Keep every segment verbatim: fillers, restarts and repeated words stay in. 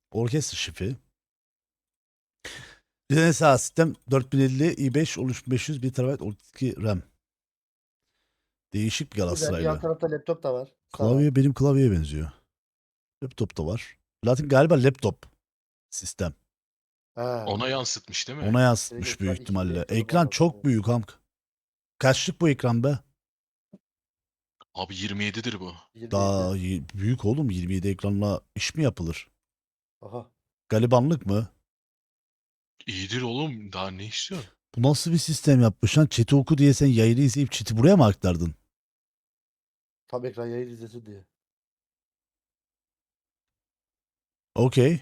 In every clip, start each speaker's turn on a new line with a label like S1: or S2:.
S1: Orkestra şifi. Dinlesel sistem dört bin elli i beş on üç bin beş yüz bir terabayt otuz iki RAM. Değişik bir
S2: Güzel. Yan
S1: Galatasaraylı.
S2: tarafta laptop da var.
S1: Klavye benim klavyeye benziyor. Laptop da var. Latin galiba laptop sistem.
S2: Ha.
S3: Ona yansıtmış değil mi?
S1: Ona yansıtmış
S2: Direkt
S1: büyük
S2: ekran
S1: ihtimalle.
S2: iki bin
S1: Ekran
S2: var
S1: çok
S2: aslında.
S1: büyük amk. Kaçlık bu ekran be?
S3: Abi yirmi yedidir bu.
S2: yirmi
S1: Daha
S2: yedi.
S1: y- büyük oğlum, yirmi yedi ekranla iş mi yapılır?
S2: Aha.
S1: Galibanlık mı?
S3: İyidir oğlum. Daha ne istiyorsun?
S1: Bu nasıl bir sistem yapmış lan? Chat'i oku diye sen yayını izleyip chat'i buraya mı aktardın?
S2: Tam ekran yayın izlesin diye.
S1: Okey.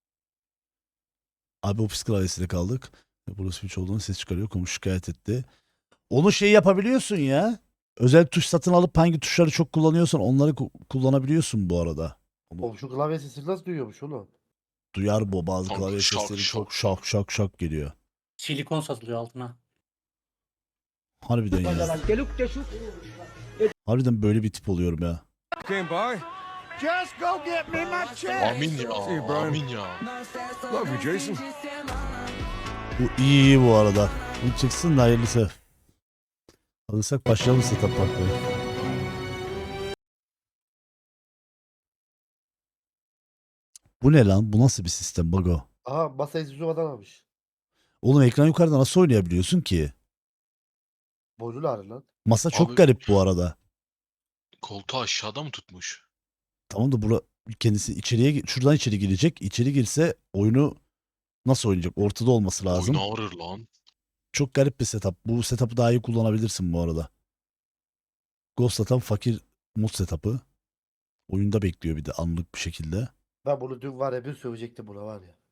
S1: Abi ofis klavyesiyle kaldık. Burası switch olduğunu ses çıkarıyor. Komşu şikayet etti. Onu şey yapabiliyorsun ya. Özel tuş satın alıp hangi tuşları çok kullanıyorsan onları ku- kullanabiliyorsun bu arada. Onu
S2: Oğlum şu klavye sesini nasıl duyuyormuş oğlum?
S1: duyar bu. Bazı
S3: Kanka
S1: klavye
S3: şak
S1: sesleri
S3: şak
S1: çok
S3: şak.
S1: şak şak şak geliyor.
S4: Silikon satılıyor altına.
S1: Harbiden ya. Harbiden böyle bir tip oluyorum ya.
S5: Came by.
S6: Just go get me my check.
S3: Amin
S5: See you,
S3: ya.
S5: Brian.
S3: Amin ya.
S5: Love you, Jason.
S1: Bu iyi iyi bu arada. Bu çıksın da hayırlısı. Alırsak başlayalım setup bakmaya. Bu ne lan? Bu nasıl bir sistem Bago?
S2: Aha masayı Zuzuma'dan almış.
S1: Oğlum ekran yukarıda nasıl oynayabiliyorsun ki?
S2: Boynunu ağrı lan.
S1: Masa çok
S3: Abi-
S1: garip bu arada.
S3: Koltuğu aşağıda mı tutmuş?
S1: Tamam da bura kendisi içeriye gi- şuradan içeri girecek. İçeri girse oyunu nasıl oynayacak? Ortada olması lazım.
S3: Oyun ağrır lan.
S1: Çok garip bir setup. Bu setup'ı daha iyi kullanabilirsin bu arada. Ghost setup fakir mod setup'ı. Oyunda bekliyor bir de anlık bir şekilde.
S2: Ben bunu dün var ya bir sövecektim buna var ya.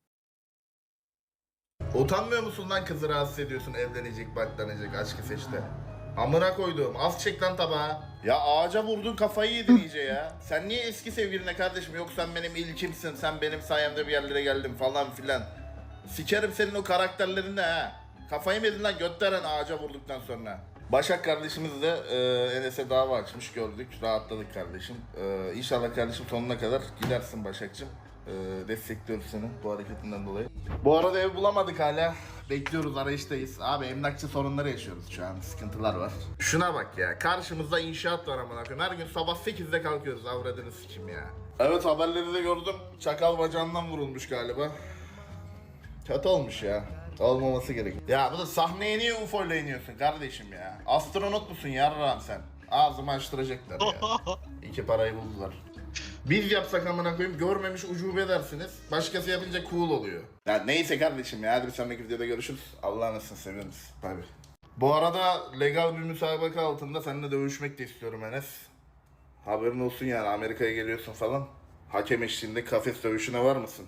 S7: Utanmıyor musun lan kızı rahatsız ediyorsun evlenecek baklanacak aşkı seçte. Amına koyduğum az çek lan tabağı. Ya ağaca vurdun kafayı yedin iyice ya. Sen niye eski sevgiline kardeşim yok sen benim ilkimsin sen benim sayemde bir yerlere geldin falan filan. Sikerim senin o karakterlerini ha. Kafayı mı yedin lan götteren ağaca vurduktan sonra. Başak kardeşimiz de e, Enes'e dava açmış gördük rahatladık kardeşim. E, İnşallah kardeşim sonuna kadar gidersin Başak'cığım. E, destekliyoruz seni bu hareketinden dolayı. Bu arada ev bulamadık hala. Bekliyoruz arayıştayız. Abi emlakçı sorunları yaşıyoruz şu an. Sıkıntılar var. Şuna bak ya. Karşımızda inşaat var amına koyayım. Her gün sabah sekizde kalkıyoruz. Avradını sikim ya. Evet haberleri de gördüm. Çakal bacağından vurulmuş galiba. Kötü olmuş ya. Olmaması gerek. Ya bu da sahneye niye U F O ile iniyorsun kardeşim ya? Astronot musun yarrağım sen? Ağzımı açtıracaklar ya. İki parayı buldular. Biz yapsak amına koyayım görmemiş ucube dersiniz. Başkası yapınca cool oluyor. Ya neyse kardeşim ya hadi bir sonraki videoda görüşürüz. Allah'a nasılsın seviyoruz. Bay bay. Bu arada legal bir müsabaka altında seninle dövüşmek de istiyorum Enes. Haberin olsun yani Amerika'ya geliyorsun falan. Hakem eşliğinde kafes dövüşüne var mısın?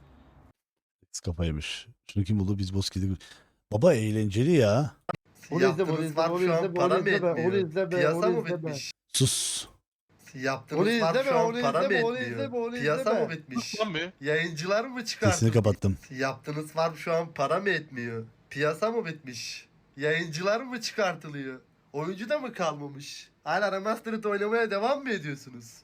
S1: Kafaymış. Şunu kim buldu? Biz Boski'de. Baba eğlenceli ya.
S2: Onu izle, onu
S8: Yaptığınız
S2: izle,
S8: farm
S2: onu
S8: şu an
S2: izleme,
S8: para
S2: onu
S8: mı
S2: izleme, onu
S8: etmiyor?
S2: izleme,
S8: Piyasa
S2: onu
S8: mı
S2: izleme.
S8: bitmiş?
S1: Sus.
S8: Yaptığınız
S2: Onu
S8: farm
S2: izleme,
S8: şu an
S2: onu
S8: para mı
S2: izleme, onu
S8: etmiyor?
S2: izleme, onu
S8: Piyasa
S2: izleme.
S8: mı bitmiş?
S3: Lan be.
S8: Yayıncılar mı çıkardı?
S1: Sesini kapattım.
S8: Yaptığınız farm şu an para mı etmiyor? Piyasa mı bitmiş? Yayıncılar mı çıkartılıyor? Oyuncu da mı kalmamış? Hala Remastered oynamaya devam mı ediyorsunuz?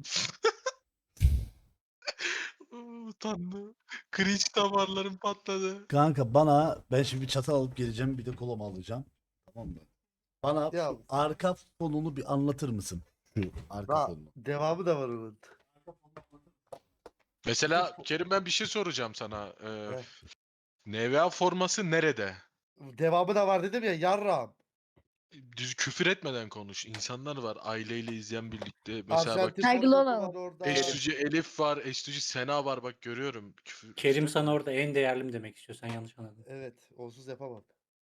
S3: Utandı. Cringe damarlarım patladı.
S1: Kanka bana ben şimdi bir çatal alıp geleceğim bir de kola alacağım. Tamam mı? Bana
S2: Ya.
S1: şu arka fonunu bir anlatır mısın? Şu arka
S2: Daha
S1: fonunu.
S2: devamı da var onun.
S3: Mesela Kerim ben bir şey soracağım sana. Ee,
S2: Heh.
S3: N V A forması nerede?
S2: Devamı da var dedim ya yarram.
S3: Düz küfür etmeden konuş. İnsanlar var aileyle izleyen birlikte. Mesela bak
S2: Arjantin
S6: Saygılı
S2: forması
S6: olalım.
S2: var orada.
S3: Estuci Elif var, Estuci Sena var bak görüyorum. Küfür,
S4: Kerim sana orada en değerli mi demek istiyor? Sen yanlış anladın.
S2: Evet, onsuz yapamam.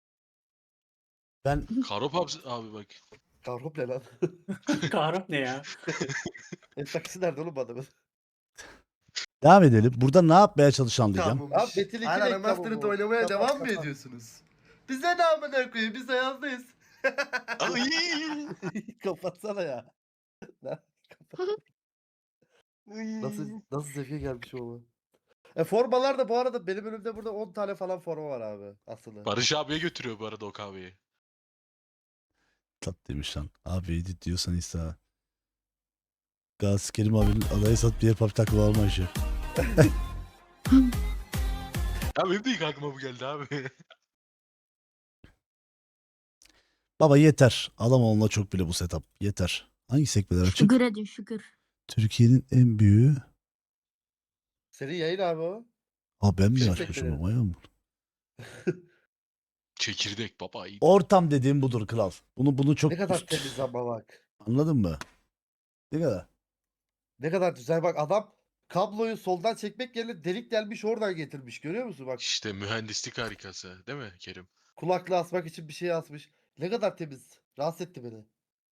S1: Ben
S3: Karop abi, abi bak.
S2: Kavrop ne lan?
S4: Kahrop ne ya?
S2: El taksi nerede oğlum bu adamın?
S1: devam edelim. Burada ne yapmaya çalışan diyeceğim.
S2: Abi
S8: Kalmamış.
S2: Metin iki
S8: Hala
S2: reklamı
S8: Remastered
S2: bu.
S8: oynamaya
S2: Kapat,
S8: devam mı
S2: kapat.
S8: ediyorsunuz? Bize ne amına koyayım? Biz ayazdayız.
S3: Ay!
S2: Kapatsana ya. Lan, kapat. Nasıl nasıl seviye gelmiş o ama. E formalar da bu arada benim önümde burada on tane falan forma var abi aslında.
S3: Barış abiye götürüyor bu arada o kahveyi.
S1: Tat demiş lan. Abi edit diyorsan ise. Gaz Kerim abinin adayı satıp diğer pub takılı alma işi.
S3: Ya benim de ilk aklıma bu geldi abi.
S1: Baba yeter. Adam olma çok bile bu setup. Yeter. Hangi sekmeler açık?
S9: Şükür edin şükür.
S1: Türkiye'nin en büyüğü.
S2: Senin yayın abi o.
S1: Aa ben mi
S2: Bizim
S1: açmışım
S2: sekmeleri.
S1: ama ya?
S3: Çekirdek baba iyi.
S1: Ortam dediğim budur kral. Bunu bunu çok
S2: Ne kadar
S1: üst-
S2: temiz ama bak.
S1: Anladın mı? Ne kadar?
S2: Ne kadar güzel bak adam kabloyu soldan çekmek yerine delik delmiş oradan getirmiş. Görüyor musun bak.
S3: İşte mühendislik harikası değil mi Kerim?
S2: Kulaklığı asmak için bir şey asmış. Ne kadar temiz. Rahatsız etti beni.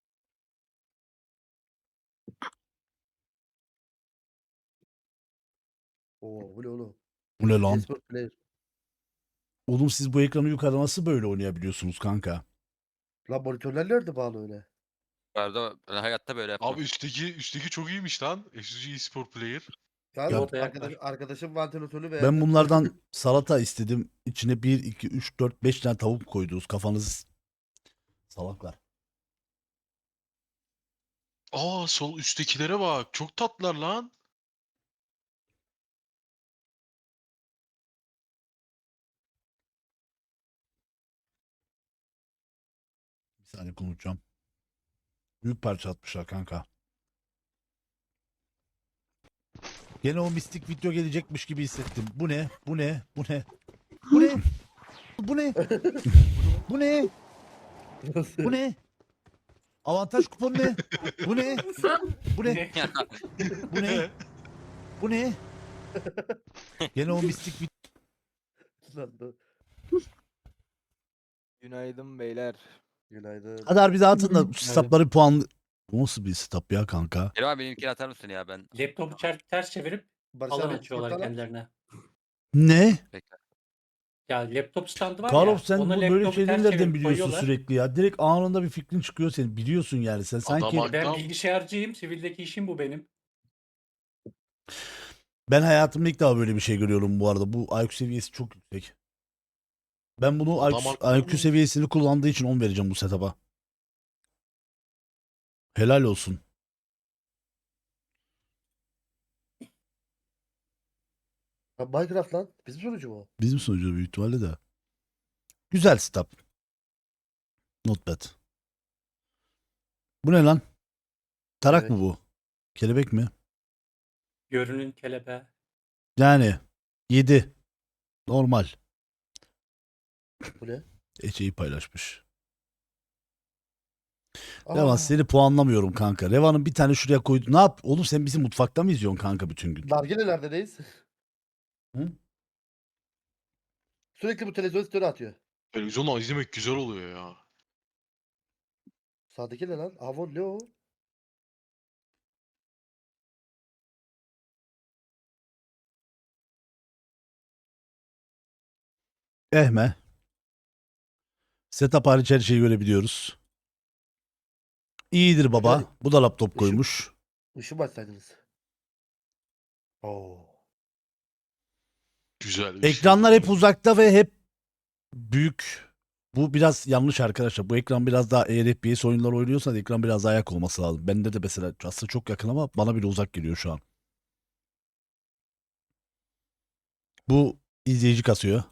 S2: Oo bu ne oğlum?
S1: Bu ne lan?
S2: Esport player.
S1: Oğlum siz bu ekranı yukarıda nasıl böyle oynayabiliyorsunuz kanka?
S2: Lan monitörler nerede bağlı öyle?
S10: Arada ben hayatta böyle yapmam.
S3: Abi üstteki üstteki çok iyiymiş lan. S G Sport Player.
S2: Yani
S1: Ya-
S4: Orada
S2: arkadaş,
S4: yaklaş.
S2: arkadaşım vantilatörü beğendi.
S1: Ben bunlardan salata istedim. İçine bir, iki, üç, dört, beş tane tavuk koydunuz. Kafanız salaklar.
S3: Aa sol üsttekilere bak. Çok tatlılar lan.
S1: Bir saniye konuşacağım. Büyük parça atmışlar kanka. Gene o mistik video gelecekmiş gibi hissettim. Bu ne? Bu ne? Bu ne? Bu ne? Bu ne? Bu ne? Bu ne? Avantaj kuponu ne? Bu ne? Bu ne? Bu ne? Bu ne? Gene o mistik video.
S2: Lan dur.
S6: Günaydın beyler.
S2: Günaydın.
S1: Hadi harbi de atın da
S4: Evet.
S1: stopları puan. Bu nasıl bir stop ya kanka?
S10: Kerim abi benimkini atar mısın ya ben?
S4: Laptopu çer- ters çevirip
S2: Barış
S4: alan
S2: abi,
S4: açıyorlar
S2: Discord'dan aç.
S4: kendilerine.
S1: Ne?
S10: Bekle.
S4: Ya laptop standı var
S1: Karol
S4: ya.
S1: sen
S4: ona
S1: bu böyle
S4: laptopu
S1: şeyleri
S4: ters
S1: nereden
S4: çevirip
S1: biliyorsun
S4: koyuyorlar.
S1: sürekli ya? Direkt anında bir fikrin çıkıyor senin. Biliyorsun yani sen sanki.
S3: Adam
S4: Ben
S3: Tamam.
S4: bilgisayarcıyım. Sivildeki işim bu benim.
S1: Ben hayatımda ilk defa böyle bir şey görüyorum bu arada. Bu I Q seviyesi çok yüksek. Ben bunu
S3: Adam
S1: I Q,
S3: haklı
S1: I Q
S3: mı?
S1: seviyesini kullandığı için on vereceğim bu setup'a. Helal olsun.
S2: Ha, Minecraft lan. Bizim sonucu mu?
S1: Bizim sunucu büyük ihtimalle de. Güzel setup. Not bad. Bu ne lan? Tarak
S2: Kelebek.
S1: mı bu? Kelebek mi?
S4: Görünün kelebeği.
S1: Yani yedi. Normal.
S2: Bu ne?
S1: Ece'yi paylaşmış.
S2: Aa,
S1: Revan seni puanlamıyorum kanka. Revan'ın bir tane şuraya koydu. Ne yap? Oğlum sen bizi mutfakta mı izliyorsun kanka bütün gün?
S2: Nargilelerdeyiz.
S1: Hı?
S2: Sürekli bu televizyon story atıyor.
S3: Televizyonla izlemek güzel oluyor ya.
S2: Sağdaki ne lan? Avon ne o?
S1: Ehme. Setup hariç her şeyi görebiliyoruz. İyidir baba.
S2: Yani
S1: Bu da laptop
S2: ışık-
S1: koymuş.
S2: Işığı mı açsaydınız? Oo.
S3: Güzel. bir şey.
S1: Ekranlar hep uzakta ve hep büyük. Bu biraz yanlış arkadaşlar. Bu ekran biraz daha eğer F P S oyunlar oynuyorsan ekran biraz daha ayak olması lazım. Bende de mesela aslında çok yakın ama bana bile uzak geliyor şu an. Bu izleyici kasıyor.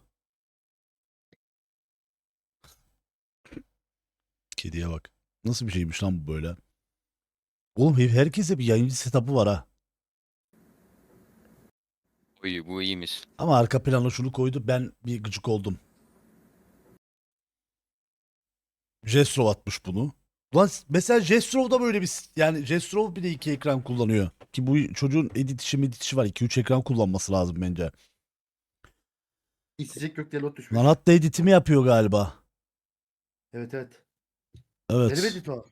S1: Kediye bak. Nasıl bir şeymiş lan bu böyle? Oğlum herkese bir yayıncı setup'ı var ha.
S10: Bu iyi, bu iyiymiş.
S1: Ama arka plana şunu koydu. Ben bir gıcık oldum. Jestrov atmış bunu. Ulan mesela Jestrov'da böyle bir yani Jestrov bile iki ekran kullanıyor. Ki bu çocuğun edit işi medit işi var. iki üç ekran kullanması lazım bence.
S2: İçecek gökdelen not düşmüş.
S1: Lan hatta editimi yapıyor galiba.
S2: Evet evet.
S1: Evet.
S2: Benim edit o.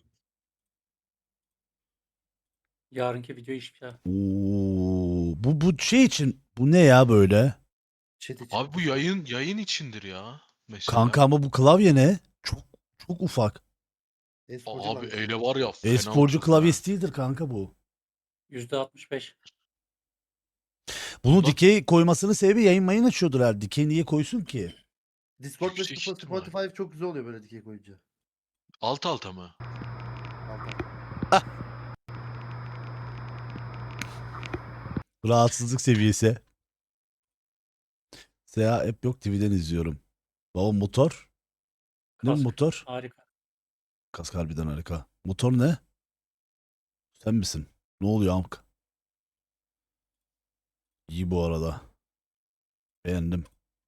S4: Yarınki video iş ya.
S1: Oo, bu bu şey için bu ne ya böyle?
S2: Chat için.
S3: Abi bu yayın yayın içindir ya. Mesela.
S1: Kanka ama bu klavye ne? Çok çok ufak.
S2: E-sporcu
S3: Abi
S2: lan.
S3: eyle var ya. fena
S1: E-sporcu
S3: vurdu
S1: klavyesi değildir kanka bu.
S4: yüzde altmış beş.
S1: Bunu
S3: Bak-
S1: dikey koymasının sebebi yayın mayın açıyordur herhalde. Dikey niye koysun ki?
S2: Discord ve
S3: Yüksek
S2: Spo-
S3: ihtimal.
S2: Spotify çok güzel oluyor böyle dikey koyunca.
S3: ha. Alt alta mı?
S2: Altta.
S1: Rahatsızlık seviyesi. S A app yok, T V'den izliyorum. Baba motor. Ne bu
S4: Kask.
S1: motor?
S4: Harika.
S1: Kask harbiden harika. Motor ne? Sen misin? Ne oluyor amk? İyi bu arada. Beğendim.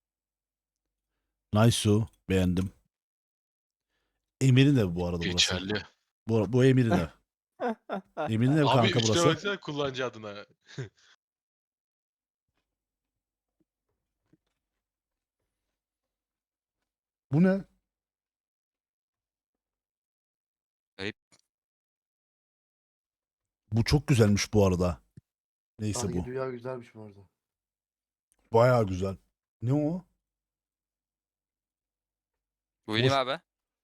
S1: Nice. Beğendim. Emir'in evi bu arada burası.
S3: Geçerli.
S1: Bu, bu Emir'in ev. Emir'in ev
S3: Abi
S1: kanka
S3: üstüne
S1: burası.
S3: baksana kullanıcı adına.
S1: Bu ne?
S10: Ayıp.
S1: Bu çok güzelmiş bu arada. Neyse
S2: Sanki
S1: bu.
S2: dünya güzelmiş bu arada.
S1: Bayağı güzel. Ne o?
S10: Bu benim
S1: Boş-
S10: abi.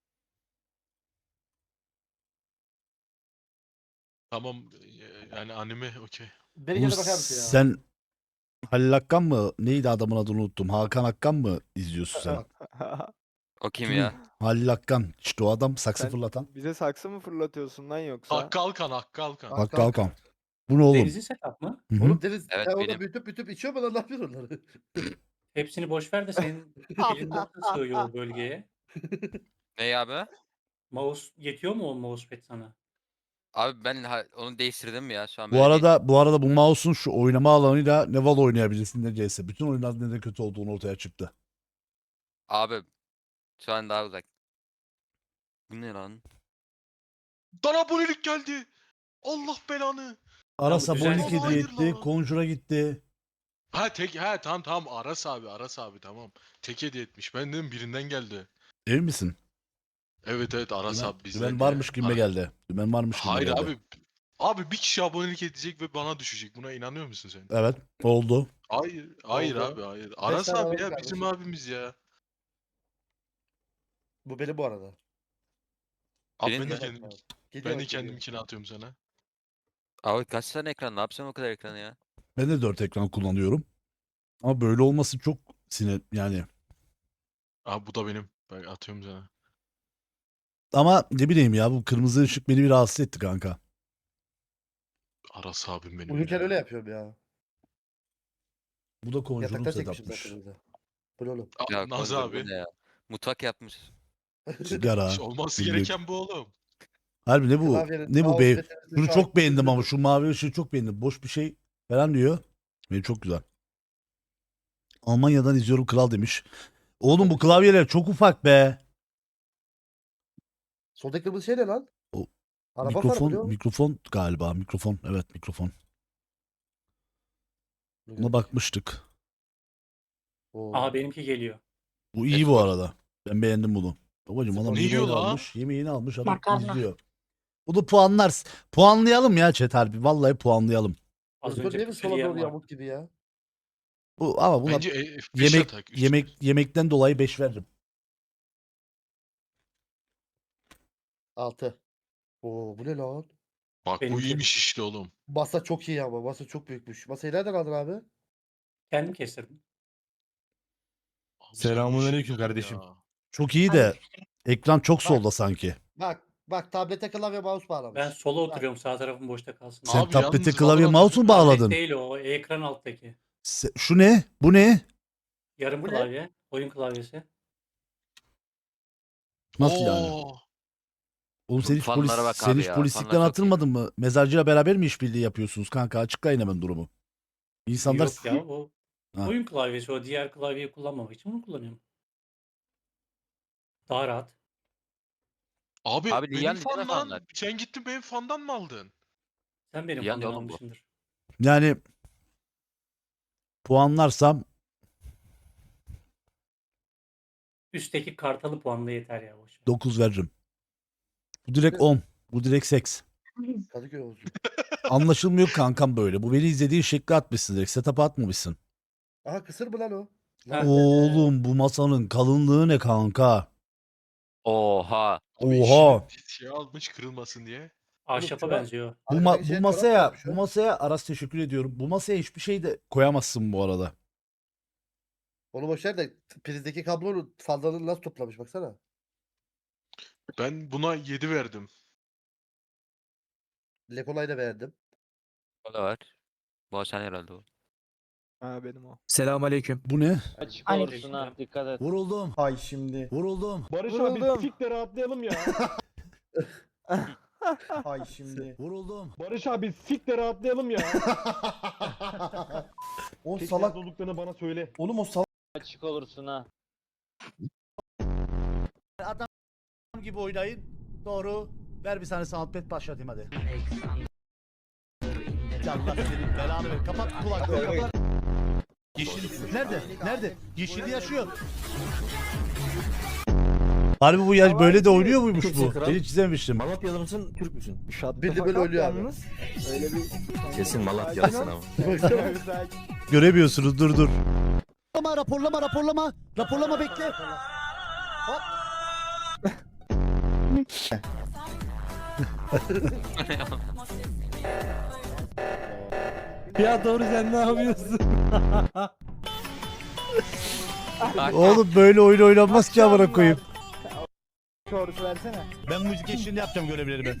S3: Tamam e, yani anime okey.
S2: Beni
S1: Oğlum
S2: gene bakar mısın ya?
S1: sen Halil Akkan mı? Neydi adamın adını unuttum. Hakan Akkan mı izliyorsun sen?
S10: O kim
S1: Kim?
S10: ya?
S1: Halil Akkan. İşte o adam saksı
S6: Sen-
S1: fırlatan.
S6: Bize saksı mı fırlatıyorsun lan yoksa?
S3: Hakkı Alkan, Hakkı Alkan.
S2: Bak,
S1: Hakkı
S2: Hakan.
S1: Alkan. Bu ne oğlum?
S4: Denizli setup mı?
S1: Hı hı.
S2: Oğlum Deniz
S10: Evet,
S2: sen orada
S10: benim.
S2: büyütüp büyütüp içiyor mu lan ne yapıyorsun onları?
S4: Hepsini boş ver de senin elin nasıl sığıyor o bölgeye?
S10: Ne abi?
S4: Mouse yetiyor mu o mousepad sana?
S10: Abi ben ha- onu değiştirdim ya şu an
S1: Bu
S10: böyle değil.
S1: arada bu arada bu mouse'un şu oynama alanıyla ne Valo oynayabilirsin ne C S. Bütün oyunların neden kötü olduğunu ortaya çıktı.
S10: Abi şu an daha uzak. Bu ne lan?
S3: Bana abonelik geldi. Allah belanı.
S1: Aras
S4: bu
S1: abonelik
S4: düzensiz-
S1: hediye
S3: Hayır
S1: etti.
S3: lan.
S1: Conjure'a gitti.
S3: Ha tek ha tamam tamam Aras abi Aras abi tamam. Tek hediye etmiş. Ben dedim birinden geldi.
S1: Emin misin?
S3: Evet evet Aras
S1: Dümen,
S3: abi bizden.
S1: dümen
S3: ya.
S1: varmış gibi
S3: Ha-
S1: geldi. Dümen varmış gibi
S3: Hayır
S1: geldi.
S3: abi. Abi bir kişi abonelik edecek ve bana düşecek. Buna inanıyor musun sen?
S1: Evet oldu.
S3: Hayır, hayır
S2: Oldu.
S3: abi hayır. Aras
S2: tane
S3: abi
S2: alalım
S3: ya
S2: kardeşim.
S3: bizim abimiz ya.
S2: Bu benim bu arada.
S3: Abi
S10: Benim
S3: ben de
S10: mi?
S3: kendim,
S2: Geliyor
S3: ben
S2: bak,
S3: de
S2: geliyor.
S3: kendimkini atıyorum sana.
S10: Abi kaç tane ekran? Ne yapacaksın o kadar ekranı ya?
S1: Ben de dört ekran kullanıyorum. Ama böyle olması çok sinir yani.
S3: Abi bu da benim. Ben atıyorum sana.
S1: Ama ne bileyim ya bu kırmızı ışık beni bir rahatsız etti kanka.
S3: Aras abim benim
S2: Uyurken
S3: ya.
S2: öyle yapıyorum ya.
S1: Bu da Conjure'un
S2: Yatakta çekmişim
S1: setup'mış.
S2: zaten burada. Bu ne oğlum?
S3: Aa,
S10: Ya
S3: Naz
S10: Conjure bu
S3: abi.
S10: ne ya? Mutfak yapmış.
S1: Sigara.
S3: İşte olması
S1: günlük.
S3: gereken bu oğlum.
S1: Harbi ne bu?
S2: Klavyenin
S1: Ne bu
S2: mouse
S1: be?
S2: meselesi
S1: Şunu
S2: şu
S1: çok
S2: an
S1: beğendim ama
S2: üzüldüm.
S1: şu mavi ışığı çok beğendim. Boş bir şey falan diyor. Benim çok güzel. Almanya'dan izliyorum kral demiş. Oğlum bu klavyeler çok ufak be.
S2: Soldaki kırmızı şey ne lan?
S1: O
S2: Araba
S1: mikrofon,
S2: farı mı?
S1: mikrofon galiba. Mikrofon. Evet mikrofon. Buna bakmıştık.
S2: Oo.
S4: Aha benimki geliyor.
S1: Bu iyi bu
S10: Spor.
S1: arada. Ben beğendim bunu. Babacım adam
S2: Ne
S1: yemeğini
S3: yiyor la?
S1: almış. Yemeğini almış adam
S9: Makarna.
S1: izliyor. Bunu puanlar. Puanlayalım ya chat harbi. Vallahi puanlayalım.
S4: Az
S2: Doktor
S4: önce
S2: niye bir
S4: püskül
S2: sola
S4: yiyen
S2: doğru
S4: var.
S2: yamuk gibi ya?
S1: Bu ama buna
S3: Bence e, F beş
S1: yemek
S3: atak. üç-
S1: yemek yemekten dolayı beş veririm.
S2: Altı. Oo bu ne lan?
S3: Bak bu
S4: Benimki.
S3: iyiymiş işte oğlum.
S2: Masa çok iyi ama. Masa çok büyükmüş. Masayı nereden aldın abi?
S4: Kendim kestirdim.
S3: Abi
S5: Selamünaleyküm
S3: sen bu işi
S5: kardeşim.
S3: ya.
S1: Çok iyi de ekran çok solda sanki.
S2: Bak. Bak tablete klavye mouse bağlamış.
S4: Ben sola
S2: Bak.
S4: oturuyorum sağ tarafım boşta kalsın.
S1: Sen
S3: Abi
S1: tablete
S3: yalnız
S1: klavye
S3: Valorant-
S1: mouse mu
S4: Tablet
S1: bağladın?
S4: değil o ekran alttaki.
S1: Se- Şu ne? Bu ne?
S4: Yarım
S2: Bu ne?
S4: klavye. Oyun klavyesi.
S1: Nasıl yani?
S3: Oo.
S1: Oğlum sen hiç, polis,
S10: Fanlara bak
S1: sen
S10: abi
S1: hiç
S10: ya,
S1: polislikten
S10: fanlar çok iyi.
S1: atılmadın mı? Mezarcıyla beraber mi işbirliği yapıyorsunuz kanka? Açıklayın hemen durumu. İnsanlar
S4: Yok ya o
S1: Ha.
S4: oyun klavyesi o diğer klavyeyi kullanmamak için bunu kullanıyorum. Daha rahat.
S3: Abi,
S10: Abi
S3: benim
S10: Liyan değil mi
S3: fandan.
S10: fanlar?
S3: Sen gittin benim fandan mı aldın?
S4: Sen benim
S10: Yani
S4: fandan
S10: oğlum bu.
S4: almışsındır.
S1: yani puanlarsam
S4: Üstteki kartalı puanla yeter ya. Boş ver.
S1: dokuz veririm. Bu direkt on. Bu direkt seks.
S2: Kadıköy olsun.
S1: Anlaşılmıyor kankam böyle. Bu beni izlediğin şekli atmışsın direkt. Setup'a atmamışsın.
S2: Aha kısır mı lan o?
S4: Ha.
S1: Oğlum bu masanın kalınlığı ne kanka?
S10: Oha.
S3: Abi
S1: Oha.
S3: işini şey almış kırılmasın diye.
S4: Ahşapa
S2: şu an-
S4: benziyor.
S1: Bu, ma-
S2: Arkadaki
S1: bu
S2: şey
S1: masaya
S2: çorap koymuş
S1: bu
S2: ya.
S1: masaya Aras teşekkür ediyorum. Bu masaya hiçbir şey de koyamazsın bu arada.
S2: Onu boşver de prizdeki kablonun fazlalığını nasıl toplamış baksana.
S3: Ben buna yedi verdim.
S2: Lekolay'ı da beğendim.
S10: O da var. Bu Hasan herhalde o.
S6: Ha benim o.
S9: Selamünaleyküm.
S1: Bu ne?
S10: Açık
S4: Aleyküm
S10: olursun ha.
S4: selam.
S10: Dikkat et.
S1: Vuruldum.
S8: Hay şimdi.
S1: Vuruldum.
S5: Barış
S6: Vuruldum.
S5: abi sik de rahatlayalım ya.
S8: Hay şimdi.
S1: Vuruldum.
S5: Barış abi sik de rahatlayalım ya.
S8: O
S5: Tek
S8: salak.
S5: nerede olduklarını bana söyle.
S8: Oğlum o salak.
S10: Açık olursun ha.
S1: Adam gibi oynayın. Doğru. Ver bir tane soundpad başlatayım hadi. Allah senin belanı ver. Kapat kulaklığı kapat. Yeşil nerede? Nerede? Yeşil yaşıyor. Harbi bu yaş böyle de oynuyor muymuş bu? Ben hiç izlememiştim.
S9: Malatyalı mısın, Türk müsün?
S2: Bildi böyle ölüyor abi.
S6: Öyle bir...
S9: Kesin Malatyalısın ama.
S1: Göremiyorsunuz dur dur. Raporlama raporlama raporlama. Raporlama bekle. Hop.
S9: Ya doğru sen ne yapıyorsun?
S1: Oğlum böyle oyun oynanmaz ki amına koyayım.
S6: Doğrusu versene.
S1: Ben müzik eşliğinde yapacağım görevlerimi.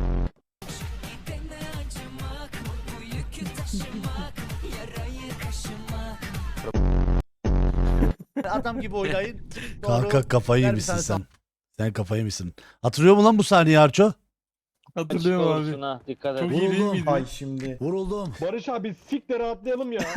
S1: Adam gibi oynayın. Kanka kafayı
S2: Ver bir
S1: yemişsin
S2: tane
S1: sen. Sen kafayı yemişsin. Hatırlıyor musun lan bu sahneyi Arço?
S10: Açık
S9: Hatırlıyorum
S10: olursun
S9: abi.
S10: ha. Dikkat et.
S9: Çok iyi değil
S1: Vuruldum.
S9: miydi?
S8: Hay şimdi.
S1: Vuruldum.
S5: Barış abi sik de rahatlayalım ya.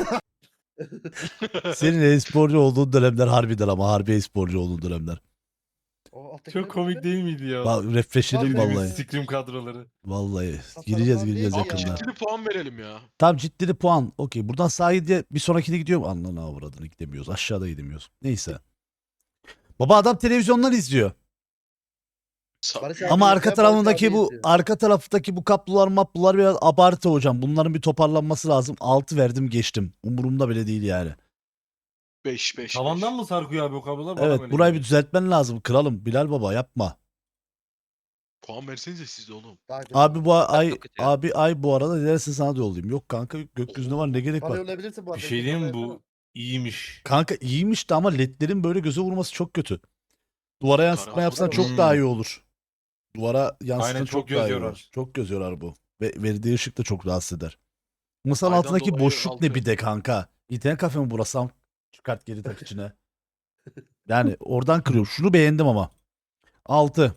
S1: Senin e-sporcu olduğun dönemler harbiden ama harbi e-sporcu olduğun dönemler.
S2: O alttaki
S9: Çok
S2: ne
S9: komik
S2: böyle?
S9: değil miydi ya?
S1: Bak refreshledim
S2: Vallahi.
S1: vallahi.
S9: Scrim kadroları.
S1: Vallahi.
S2: Tasarım
S1: Gireceğiz
S2: falan
S1: gireceğiz
S2: değil ya.
S1: yakında.
S3: Ciddi puan verelim ya.
S1: Tam ciddi puan. Okey. Buradan sahilde bir sonrakine gidiyorum. Anlana avradını gidemiyoruz. Aşağıda gidemiyoruz. Neyse. Baba adam televizyondan izliyor.
S3: Sa-
S2: Barış abi
S1: Ama
S2: izleyen
S1: arka
S2: Barış
S1: tarafındaki
S2: abi
S1: bu
S2: izliyor.
S1: arka taraftaki bu kaplular maplular biraz abartı hocam. Bunların bir toparlanması lazım. altı verdim geçtim. Umurumda bile değil yani.
S3: beş beş.
S9: Tavandan mı sarkıyor abi o kablolar? Bana
S1: Evet
S9: böyle
S1: burayı bir
S9: geliyor.
S1: düzeltmen lazım. Kralım Bilal baba yapma.
S3: Puan versenize siz de oğlum.
S2: Daha kötü.
S1: Abi bu ay
S10: çok kötü ya.
S1: abi ay bu arada dilersen sana da yollayayım. Yok kanka gökyüzünde var ne gerek
S2: Bana
S1: var.
S2: yollayabilirsin bu
S9: Bir
S2: arada.
S9: şey diyeyim mi
S2: Bana
S9: bu?
S2: yapsana.
S9: İyiymiş.
S1: Kanka iyiymiş de ama ledlerin böyle göze vurması çok kötü. Duvara yansıtma
S3: Karanlık
S1: yapsan
S2: olur.
S1: çok
S9: Hmm.
S1: daha iyi olur. Duvara yansıtsan
S9: Aynen,
S1: çok,
S9: çok
S1: daha iyi
S9: göz
S1: olur.
S9: yorar.
S1: Çok göz yorar bu. Ve verdiği ışık da çok rahatsız eder. Masanın
S3: Aydan
S1: altındaki
S3: dolayı
S1: boşluk ne
S3: altı.
S1: bir de kanka. İnternet kafe mi burası? Am- Çıkart geri tak içine. Yani oradan kırıyorum. Şunu beğendim ama. altı.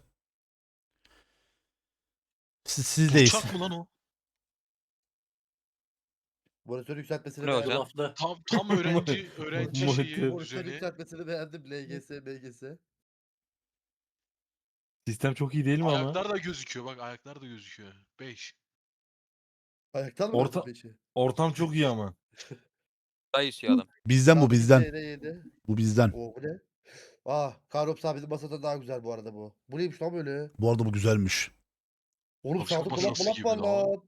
S1: Siz, sizdeyiz.
S3: Uçak mı lan o?
S2: Monitör yükseltmesini
S10: Ne
S2: beğendim.
S10: hocam?
S4: Laflı.
S3: Tam tam öğrenci öğrenci
S9: Monitör.
S3: şeyi
S2: Monitör
S3: düzeni.
S2: yükseltmesini beğendim. L G S, M G S.
S9: Sistem çok iyi değil mi ama?
S3: Ayaklar da gözüküyor bak ayaklar da gözüküyor. beş.
S2: Ayaktan mı
S9: Orta-
S2: Orta... beşi?
S9: Ortam çok iyi ama.
S10: Daha istiyor adam.
S1: Bizden bu bizden.
S2: Yedi, yedi.
S1: Bu bizden.
S2: Oo bu ne? Ah, Karops abi bizim masada daha güzel bu arada bu. Bu neymiş lan böyle?
S1: Bu arada bu güzelmiş.
S2: Oğlum
S3: Tavşan
S2: sağda dolap
S3: masası
S2: dolap
S3: gibi
S2: var
S3: lan.
S2: lan.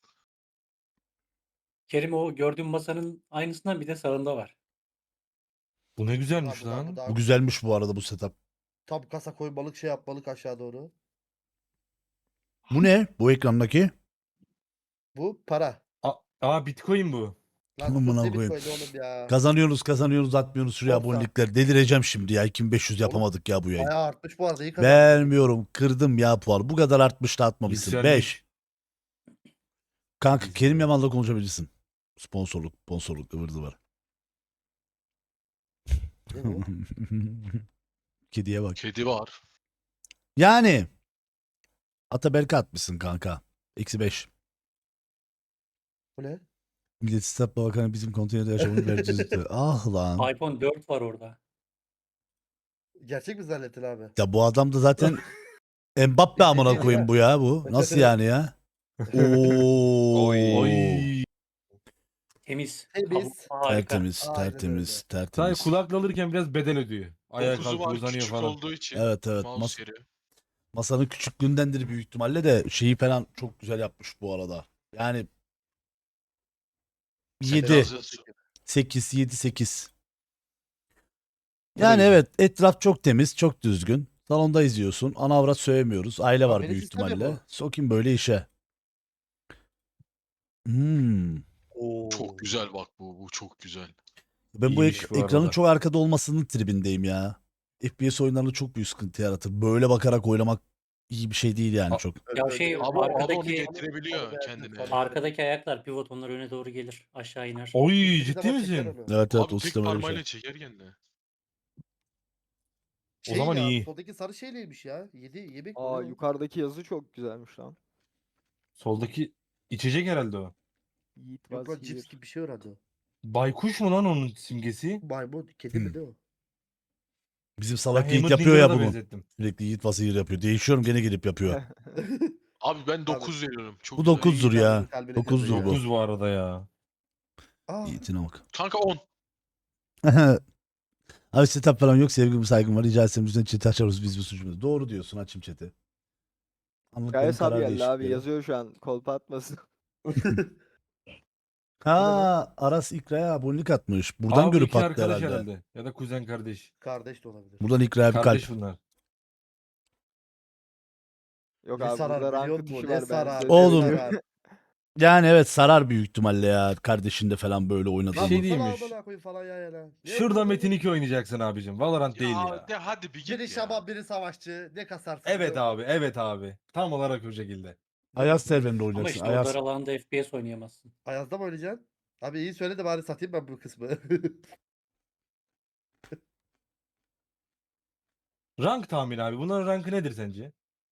S4: Kerim o gördüğüm masanın aynısından bir de sağında var.
S9: Bu ne
S2: Ha,
S9: güzelmiş
S2: bu daha-
S9: lan.
S2: daha-
S1: Bu güzelmiş bu arada bu setup.
S2: Tam kasa koymalık şey yapmalık aşağı doğru.
S1: Bu ne? Bu ekrandaki?
S2: Bu para.
S9: Aa, aa Bitcoin bu.
S2: Lan
S1: Amına
S2: sus, ne
S1: koyayım.
S2: Bitcoin oğlum ya.
S1: Kazanıyoruz kazanıyoruz atmıyoruz şuraya
S2: Olsa.
S1: abonelikler. Delireceğim şimdi ya. iki bin beş yüz
S2: Oğlum,
S1: yapamadık ya bu yayın.
S2: Bayağı artmış bu arada. iyi kazandın.
S1: Vermiyorum. Kırdım ya puanı. Bu kadar artmış da atmamışsın.
S9: Yükselmiş.
S1: beş. Kanka Kerim Yaman'la konuşabilirsin. Sponsorluk, sponsorluk ıvırdı var.
S2: Ne bu?
S1: Kediye bak.
S3: Kedi var.
S1: Yani. Ataberk'e atmışsın kanka. Eksi beş.
S2: Bu ne?
S1: Millet İstasyon Bakanı bizim konteynerde yaşamını vereceğiz. Ah lan.
S4: iPhone dört var orada.
S2: Gerçek mi zannettin abi?
S1: Ya bu adam da zaten Mbappe amına koyayım bu ya bu. Nasıl yani ya? Oo.
S9: Oy.
S4: Temiz.
S2: Temiz.
S4: Kabuklu harika.
S1: Tertemiz,
S2: Aynen
S1: tertemiz,
S2: öyle.
S1: tertemiz.
S9: Sadece kulakla alırken biraz bedel ödüyor. Ayağa
S3: Dokuzu
S9: kalkıyor
S3: var
S9: uzanıyor
S3: küçük
S9: falan.
S3: olduğu için.
S1: Evet evet.
S3: Mouse
S1: Mas-
S3: yeri.
S1: masanın küçüklüğündendir büyük ihtimalle de şeyi falan çok güzel yapmış bu arada. Yani yedi,
S3: Biraz-
S1: sekiz, yedi, sekiz. Yani
S9: Öyle.
S1: evet etraf çok temiz, çok düzgün. Salonda izliyorsun. Ana avrat sövemiyoruz. Aile var
S2: Beni
S1: büyük
S2: sistem
S1: ihtimalle.
S2: yapalım.
S1: Sokayım böyle işe. Hmm.
S2: Oo.
S3: Çok güzel bak bu. Bu çok güzel.
S1: Ben bu
S9: İyiymiş
S1: ek-
S9: bu
S1: ekranın
S9: arada.
S1: çok arkada olmasının tribindeyim ya. F P S oyunlarında çok büyük sıkıntı yaratır. Böyle bakarak oynamak iyi bir şey değil yani
S9: A-
S1: çok.
S4: Ya şey
S3: Abi o onu
S4: arkadaki
S3: getirebiliyor
S2: Tabii,
S3: kendine.
S2: tabii.
S4: arkadaki ayaklar pivot onlar öne doğru gelir. Aşağı iner.
S9: Oy
S2: İstediği
S9: ciddi
S2: zaman çeker
S9: misin?
S2: onu.
S1: Evet evet
S3: Abi
S1: o
S3: tek
S1: sistem öyle bir
S3: parmağıyla
S1: şey.
S3: çeker kendine.
S9: O zaman
S2: Şey ya,
S9: iyi.
S2: Soldaki sarı şeyleymiş ya. Yedi yemek mi
S6: Aa
S2: ne o?
S6: yukarıdaki yazı çok güzelmiş lan.
S9: Soldaki içecek herhalde o.
S6: Yiğit
S2: Yok lan
S6: was
S2: cips
S6: here.
S2: gibi bir şey herhalde o.
S9: Baykuş mu lan onun simgesi?
S2: Maymun kedi mi
S1: Hmm.
S2: ne o?
S1: Bizim
S9: Ben
S1: salak Yiğit
S9: Hammond
S1: yapıyor ya
S9: Dinger'a da
S1: bunu.
S9: benzettim.
S1: Sürekli Yiğit Vasıyır yapıyor. Değişiyorum gene gelip yapıyor.
S3: Abi ben dokuz veriyorum. Çok
S1: Bu
S3: güzel.
S1: dokuzdur
S2: İyi,
S1: ya.
S2: kalbini- kalbini
S1: dokuzdur
S2: kırdı ya.
S1: bu.
S9: dokuz bu arada ya.
S2: Aa,
S1: Yiğit'ine bak.
S3: Kanka on.
S1: Abi setup falan yok, sevgim saygım var. Rica etsem yüzünden chat'i açarız biz bu suçumuz. Doğru diyorsun, açayım chat'i. Anlattıklarım
S6: Gayet abi
S1: karar
S6: geldi abi
S1: değişikleri.
S6: yazıyor şu an kolpa atmasın.
S1: Ha Aras İkra'ya abonelik atmış. Buradan
S9: Abi
S1: görüp
S9: iki
S1: attı
S9: arkadaş
S1: herhalde.
S9: herhalde. Ya da kuzen kardeş.
S2: kardeş de olabilir.
S1: Buradan İkra'ya bir
S9: Kardeş
S1: kalp.
S9: bunlar.
S6: Yok
S2: Ne
S6: abi
S2: sarar
S6: burada
S2: biliyor
S6: rankı
S2: musun?
S6: tuşu
S2: Ne
S6: var ben
S2: sarar?
S6: size
S2: ne
S1: Oğlum.
S6: söyleyeyim.
S2: sarar?
S1: Yani evet sarar büyük ihtimalle ya. Kardeşinde falan böyle oynadı.
S2: Lan
S9: şey
S2: vursana
S9: değilmiş.
S2: amına koyayım falan ya ya lan. Ne
S9: Şurada
S2: vuruyorsun?
S9: Metin iki oynayacaksın abicim. Valorant değil
S3: Ya,
S9: ya.
S3: de hadi bir git
S2: Biri
S3: ya.
S2: şaban biri savaşçı. Ne kasarsın?
S9: Evet
S2: diyor.
S9: abi, evet abi. Tam olarak o şekilde.
S1: Ayaz serverinde
S4: Ama
S1: oynayacaksın.
S4: işte o
S1: Ayaz.
S4: dar alanda F P S oynayamazsın.
S2: Ayaz'da mı oynayacaksın? Abi iyi söyle de bari satayım ben bu kısmı.
S9: Rank tahmini abi. Bunların rankı nedir sence?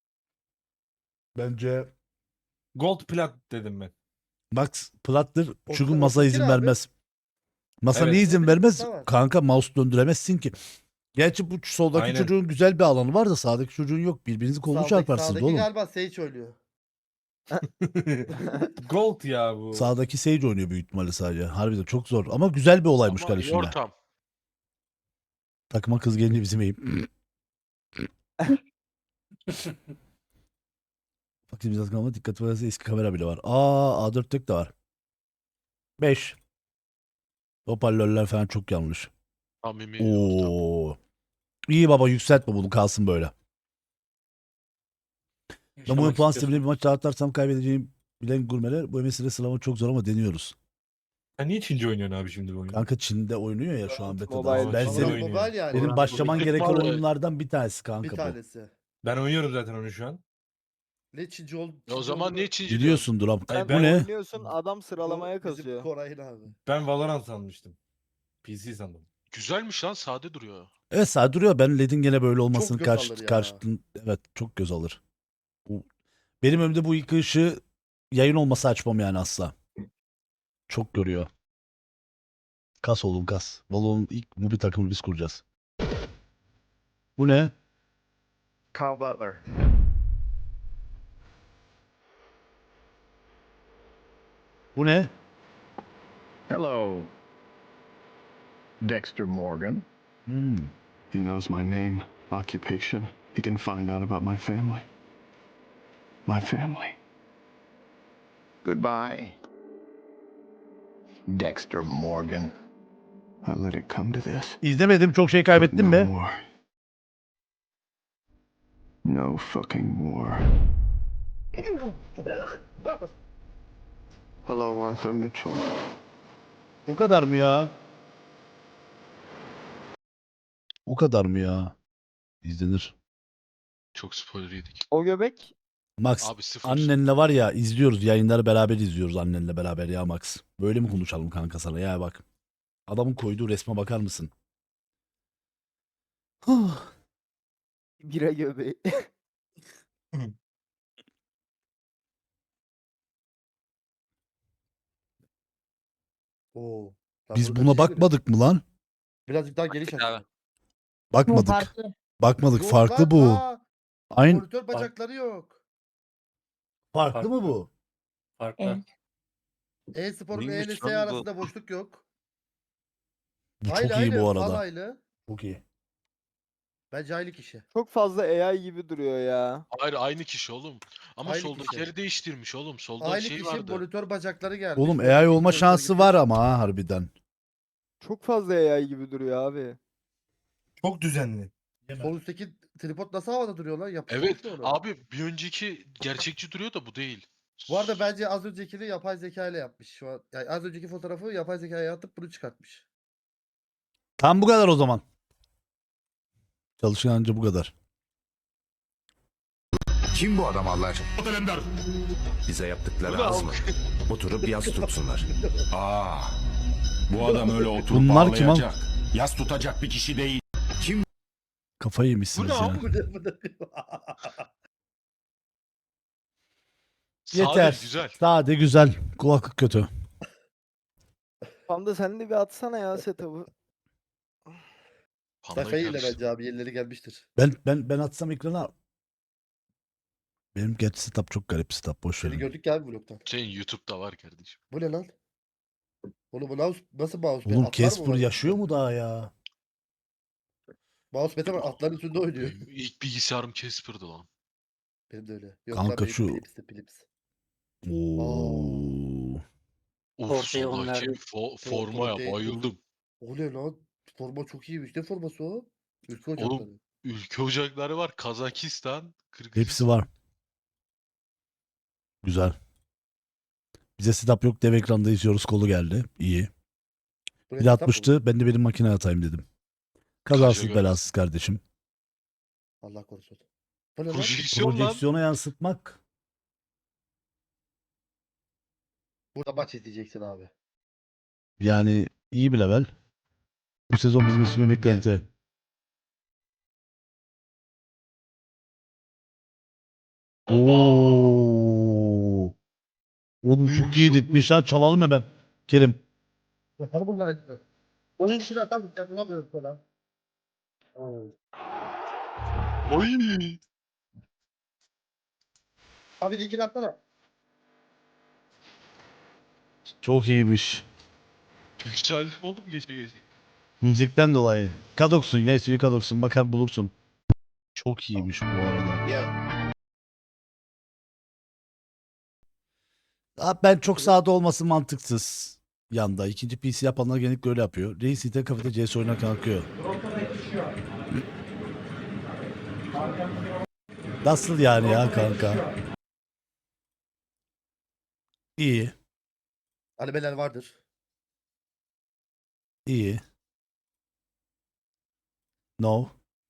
S1: Bence
S9: Gold plat dedim ben.
S1: Max Plat'tır. Çünkü
S2: Otuz-
S1: masa
S2: otuz
S1: izin
S2: iki ne abi?
S1: vermez. Masa
S9: Evet.
S1: niye izin
S2: Otuz
S1: vermez?
S2: iki var.
S1: Kanka mouse döndüremezsin ki. Gerçi bu soldaki
S9: Aynen.
S1: çocuğun güzel bir alanı var da sağdaki çocuğun yok. Birbirinizi kolunu
S2: Sağdaki-
S1: çarparsınız
S2: sağdaki
S1: oğlum.
S2: galiba Sage oynuyor.
S9: Gold ya bu.
S1: Sağdaki Sage oynuyor büyük ihtimalle sadece. Harbiden çok zor. Ama güzel bir olaymış
S3: Ama iyi
S1: kardeşimle.
S3: ortam.
S1: Takıma kız gelince bizim eğim. Fakir biraz kalma dikkat ederse eski kamera bile var. Aa A dört tek de var. beş. Hoparlörler falan çok yanlış.
S3: Samimi ortam.
S1: Oo. İyi baba yükseltme bunu kalsın böyle. Ben bu oyun
S4: Yaşamak
S1: puan
S4: istiyorsan.
S1: sistemine bir maç dağıtarsam kaybedeceğim bilen gurmeler. Bu mesele sıralama çok zor ama deniyoruz.
S9: Sen niye Çince oynuyorsun abi şimdi bu oyunu?
S1: Kanka Çin'de oynuyor ya şu an
S6: Mobile,
S1: beta'da. Ben
S9: Çin'de
S1: senin,
S9: oynuyor.
S2: Mobile yani.
S1: benim
S9: Orhan
S1: başlaman
S3: Mobile.
S1: gereken
S3: Mobile.
S1: oyunlardan bir tanesi
S2: Bir
S1: kanka bu.
S2: tanesi.
S9: Ben oynuyorum zaten onu şu an.
S2: Ne Çinci ol?
S3: Ya o
S2: Çinci
S3: zaman
S2: olduğunu-
S3: niye Çinci diyorsun?
S1: Biliyorsundur abi.
S9: Ay,
S6: Sen
S1: Bu ne?
S6: oynuyorsun adam sıralamaya
S2: Bizim
S6: kazıyor.
S2: Koray'ın abi.
S9: Ben Valorant sanmıştım. P C sandım.
S3: Güzelmiş lan, sade duruyor.
S1: Evet sağ duruyor. Ben L E D'in gene böyle olmasını
S2: göz alır
S1: karşı,
S2: ya.
S1: karşıtın evet çok göz alır. Bu, benim önümde bu iki ışığı yayın olmasa açmam yani asla. Çok görüyor. Kas oğlum kas. Valo'nun ilk mobil takımını biz kuracağız. Bu ne?
S6: Carl Butler.
S1: Bu ne?
S11: Hello, Dexter Morgan.
S1: Hmm.
S11: He knows my name, occupation. He can find out about my family. My family. Goodbye, Dexter Morgan. I let it come to this.
S1: İzlemedim. Çok şey kaybettim
S11: no
S1: mi?
S11: more. No fucking more. Hello, Arthur Mitchell.
S1: O kadar mı ya? O kadar mı ya? İzlenir.
S3: Çok spoiler yedik.
S6: O göbek
S1: Max
S3: Abi sıfır.
S1: annenle var ya izliyoruz. Yayınları beraber izliyoruz annenle beraber ya Max. Böyle mi konuşalım kanka sana ya bak. Adamın koyduğu resme bakar mısın? Huh.
S6: bira göbeği.
S2: Oo. Ben
S1: Biz
S2: bunu
S1: buna
S2: kaçırdım.
S1: bakmadık mı lan?
S2: Birazcık daha geniş
S10: Baktık
S2: aç.
S10: abi.
S1: Bakmadık. Bakmadık.
S2: Yok
S1: Farklı
S2: lan,
S1: bu.
S2: aa,
S1: Aynı
S2: monitör bacakları yok.
S1: farklı mı
S4: Farklı.
S1: bu?
S4: Farklı.
S2: E-sporun ve
S10: Neymiş
S2: E L S
S10: lan bu?
S2: arasında boşluk yok.
S1: Bu çok
S2: Aynı
S1: iyi
S2: aynı.
S1: bu
S2: Fal
S1: arada.
S2: aynı.
S1: Çok iyi.
S2: Bence aynı kişi.
S6: Çok fazla A I gibi duruyor ya.
S3: Hayır, aynı kişi oğlum. Ama
S2: Aynı
S3: soldakileri
S2: kişi.
S3: değiştirmiş oğlum. Solda
S2: Aynı
S3: şey
S2: kişi
S3: vardı.
S2: monitör bacakları gelmiş.
S1: Oğlum
S2: Soldaki
S1: A I olma
S2: monitör
S1: şansı
S2: gibi.
S1: var ama ha harbiden.
S6: Çok fazla A I gibi duruyor abi.
S9: Çok düzenli.
S2: Sol üstteki tripod nasıl havada duruyor lan? Yapıştırmış
S3: Evet
S2: mı onu?
S3: abi, bir önceki gerçekçi duruyor da bu değil.
S2: Bu arada bence az öncekini yapay zeka ile yapmış. Şu an yani az önceki fotoğrafı yapay zekaya atıp bunu çıkartmış.
S1: Tam bu kadar o zaman. Çalışkanca bu kadar.
S11: Kim bu adam Allah aşkına? Bize yaptıkları az mı? Oturup yas tutsunlar. Aa, bu adam öyle oturup
S1: Bunlar kim
S11: ağlayacak, yas tutacak bir kişi değil.
S1: Kafayı yemişsiniz
S3: Bu ne
S1: ya.
S3: abi?
S2: Bu ne, bu ne?
S1: Yeter.
S3: Sade, güzel.
S1: Sade güzel. Kulaklık kötü.
S6: Panda sen de bir atsana ya setup'ı.
S3: Pandayı
S2: Sakayı ile
S3: karıştır.
S2: bence abi yerleri gelmiştir.
S1: Ben ben ben atsam ekrana. Benim gerçi setup çok garip setup. Boş
S2: Seni
S1: verin.
S2: gördük ya abi vlogtan.
S3: Senin YouTube'da var kardeşim.
S2: Bu ne lan? Oğlum bu mouse, nasıl mouse?
S1: Oğlum
S2: Atlar mı
S1: Casper
S2: var?
S1: yaşıyor mu daha ya?
S2: Mouse var atların üstünde oynuyor.
S3: Benim ilk bilgisayarım Casper'dı lan.
S2: Benim de öyle. Yok
S1: Kanka
S2: lan benim
S1: şu-
S2: Philips'ti Philips.
S1: Oo.
S3: Of
S4: Ortaya
S3: soldaki
S4: onlar-
S3: fo- formaya
S2: ortaya-
S3: bayıldım.
S2: O ne lan? Forma çok iyiymiş. Ne forması o? Ülke
S3: Oğlum,
S2: ocakları.
S3: Ülke ocakları var. Kazakistan, Kırgızistan.
S1: Hepsi var. Güzel. Bize setup yok, dev ekranda izliyoruz, kolu geldi. İyi.
S2: Bu ne,
S1: Bir de
S2: kitap mı?
S1: atmıştı. Ben de benim makineye atayım dedim. Kazasız
S3: Kaşa
S1: belasız kardeşim.
S2: Allah korusun. Bu ne lan?
S3: Projeksiyon lan.
S1: Projeksiyona yansıtmak.
S2: Burada maç izleyeceksin abi.
S1: Yani iyi bir level. Bu sezon bizim için bir beklenti. Oo. Oğlum çok iyi dikmiş ha. Çalalım hemen. Kerim.
S2: Yapar bunlar. Onun için atam yapamıyorum falan.
S3: Oy.
S2: Abi linkini atsana.
S1: Çok iyiymiş.
S3: Güzel oğlum gece gece.
S1: Müzikten dolayı. Kadoksun. Neyse Kadoksun. Bakar bulursun. Çok iyiymiş bu arada.
S2: Ya.
S1: Abi ben çok sağda olması mantıksız. Yanda. İkinci P C yapanlar genellikle öyle yapıyor. Reis internet kafede C S oynarken kalkıyor. Nasıl yani ya kanka? İyi.
S2: Animeler vardır.
S1: İyi. No.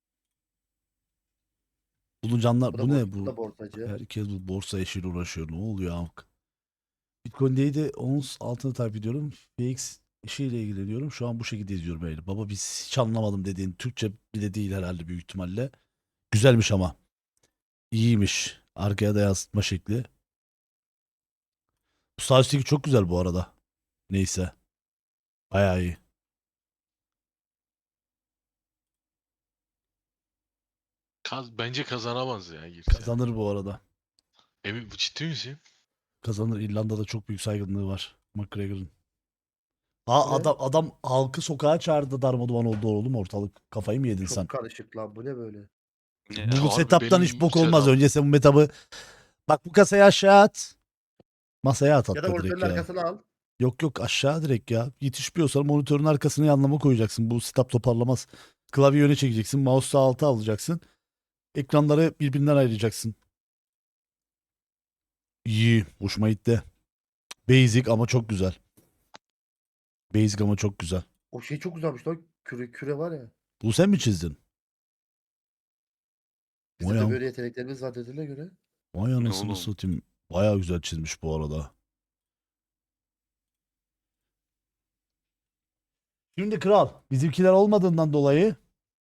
S1: Buluncanlar
S2: Bu da,
S1: bu
S2: bor-
S1: ne
S2: bu da
S1: bu?
S2: borsacı.
S1: Herkes bu borsa işiyle uğraşıyor. Ne oluyor amk? Bitcoin'deydi. Ons altını takip ediyorum. F X işiyle ilgileniyorum. Şu an bu şekilde izliyorum böyle. Baba biz hiç anlamadım dediğin Türkçe bile değil herhalde büyük ihtimalle. Güzelmiş ama. İyiymiş. Arkaya da yansıtma şekli. Bu sağ üstteki çok güzel bu arada. Neyse. Bayağı iyi.
S3: Kaz bence kazanamaz ya girse.
S1: Kazanır bu arada.
S3: Emin bu ciddi misin?
S1: Kazanır. İrlanda'da çok büyük saygınlığı var. McGregor'ın. Aa,
S2: Bu ne?
S1: adam adam halkı sokağa çağırdı, darmaduman oldu oğlum ortalık. Kafayı mı yedin
S2: Çok
S1: sen?
S2: karışık lan. Bu ne böyle?
S10: Ne?
S1: Bu
S3: Harbi
S1: setup'tan
S3: benim
S1: hiç bok olmaz.
S3: setup.
S1: Önce sen bu metabı bak bu kasayı aşağı at. Masaya at
S2: Ya da
S1: hatta
S2: monitörün
S1: direkt ya.
S2: arkasına al.
S1: Yok yok aşağı direkt ya. Yetişmiyorsan monitörün arkasına yanlama koyacaksın. Bu setup toparlamaz. Klavye öne çekeceksin. Mouse sağ alta alacaksın. Ekranları birbirinden ayıracaksın. İyi. Hoşuma gitti. Basic ama çok güzel. Basic ama çok güzel.
S2: O şey çok güzelmiş lan. Küre, küre var ya.
S1: Bu sen mi çizdin?
S2: Bizim
S1: Vay
S2: de
S1: am-
S2: böyle yeteneklerimiz var dediğine göre.
S1: Vay
S10: Ne
S1: anasını
S10: oğlum?
S1: satayım. Bayağı güzel çizmiş bu arada. Şimdi kral bizimkiler olmadığından dolayı